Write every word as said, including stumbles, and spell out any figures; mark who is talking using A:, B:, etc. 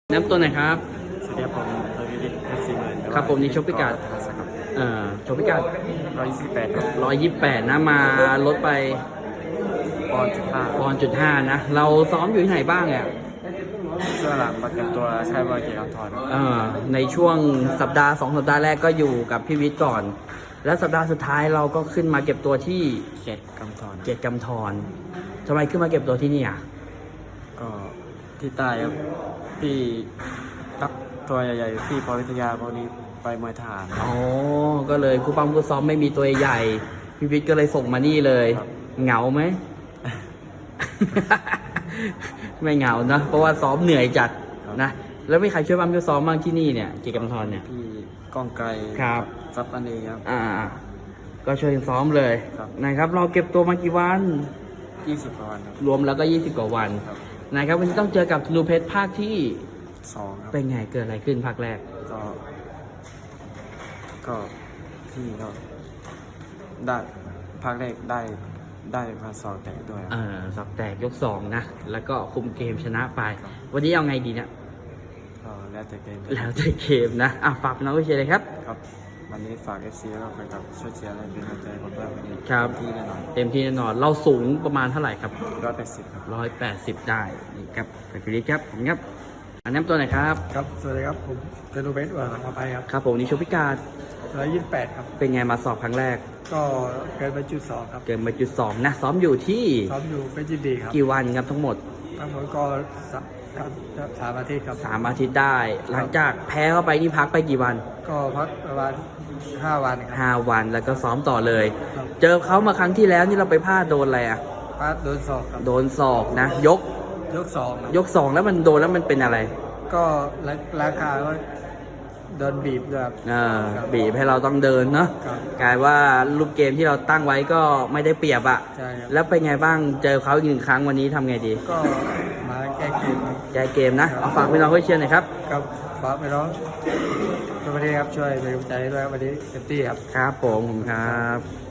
A: น้ำตัวไหนอยครับ
B: สวัสดีครับผมทวีวิทย์เพชรสี่หมื่น
A: ครับผมนี่ชกพิกัดเอ่อชกพิกัด
B: ร้อยยี่สิบแปดครับ
A: ร้อยยี่สิบแปดนะมาลดไป
B: ปอนด์จุดห้า
A: ปอนด์จุดห้านะ เราซ้อมอยู่ที่ไหนบ้างอ่ะ
B: เสื้อหลังประกันตัวใช้บอยเกียร์ทอน
A: เอ่อในช่วงสัปดาห์สองสัปดาห์แรกก็อยู่กับพี่วิทย์ก่อน แล้วสัปดาห์สุดท้ายเราก็ขึ้นมาเก็บตัวที่
B: เกียรติกำทอน
A: เกียรติกำธรทำไมขึ้นมาเก็บตัวที่นี่อ่ะ
B: ก็ที่ใต้ครับพี่นักตัวใหญ่ๆพี่พอวิทยาพวกนี้ไปมวยทหาร
A: อ๋อก็เลยครูปั้มครูซ้อมไม่มีตัวใหญ่พี่วิทย์ก็เลยส่งมานี่เลยเหงาไหม ไม่เหงานะเพราะว่าซ้อมเหนื่อยจัดนะแล้วไม่ใครช่วยปั้มช่วยซ้อมบ้างที่นี่เนี่ยเกียรติกำธรเนี่ย
B: พี่ก้องไกล
A: ครับ
B: ซับอันนี้ครับ
A: อ่าก็ช่วยซ้อมเลยนะครับเราเก็บตัวมากี่วัน
B: ยี่สิบกว่าวัน
A: รวมแล้วก็ยี่สิบกว่าวันนะครับวันนี้ต้องเจอกับธนูเพชรภาคที่
B: สองครับ
A: เป็นไงเกิดอะไรขึ้นภาคแรก
B: ก็ก็พี่ก็ได้ภาคแรกได้ได้มาสอบแตกด้วย
A: เออสอบแตกยกสองนะแล้วก็คุมเกมชนะไปวันนี้เอาไงดีเนี่ย
B: ก็แล้วแต่เกม
A: แล้วแต่เกมนะอ่ะฝากน้องวิเชียรเลยครับ
B: ครับวันนี้ฝากเอฟซีแล้วก็แฟนคลับช่วยเชียร์และเป็นกำลังใจผมด้วยวันนี้
A: ครับ
B: เต็มที่แน่นอน
A: เต็มที่แน่นอนเราสูงประมาณเท่าไหร่ครับ
B: ร้อยแปดสิบครับ
A: ร้อยแปดสิบได้นี่ครับไปคุยครับผมครับอันน้ำตัวไหนครับ
B: ครับสวัสดีครับผมเตนูเบสว่าขอไปครับ
A: ครับผมนี่ชกพิการ
B: ร้อยยี่สิบแปดครับ
A: เป็นไงมาสอบครั้งแรก
B: ก็เกินไปจุดสองครับ
A: เกินไปจุดสองนะซ้อมอยู่ที่
B: ซ้อมอยู่เป็นยินดีครับ
A: กี่วันครับทั้งหมด
B: ทั้งหมดก็สามอาทิตย์ครับ
A: สามอาทิตย์ได้หลังจากแพ้เข้าไปนี่พักไปกี่วัน
B: ก็พักประมาณห้าวัน
A: ห้าวันแล้วก็ซ้อมต่อเลยเจอเขามาครั้งที่แล้วนี่เราไปพลาดโดนอะไรอ่ะ
B: พลาดโดนศอกครับ
A: โดนศอกนะยก
B: ยกสอง
A: ยกสองแล้วมันโดนแล้วมันเป็นอะไร
B: ก็ราคาก็เดินบีบแบบ
A: บีบให้เราต้องเดินเนาะกลายว่าลูกเกมที่เราตั้งไว้ก็ไม่ได้เปรียบอะแล้วเป็นไงบ้างเจอเขาอีกหนึ่งครั้งวันนี้ทำไงดี
B: ก็มาแก้เกม
A: แก้เกมนะเอาฝากพี่น้องเชียร์หน่อยครับ
B: ครับฝากพี่น้องสวัสดีครับช่วยเป็นกำลังใจด้วยวันนี้เต็มที่ครับ
A: ครับผมผมครับ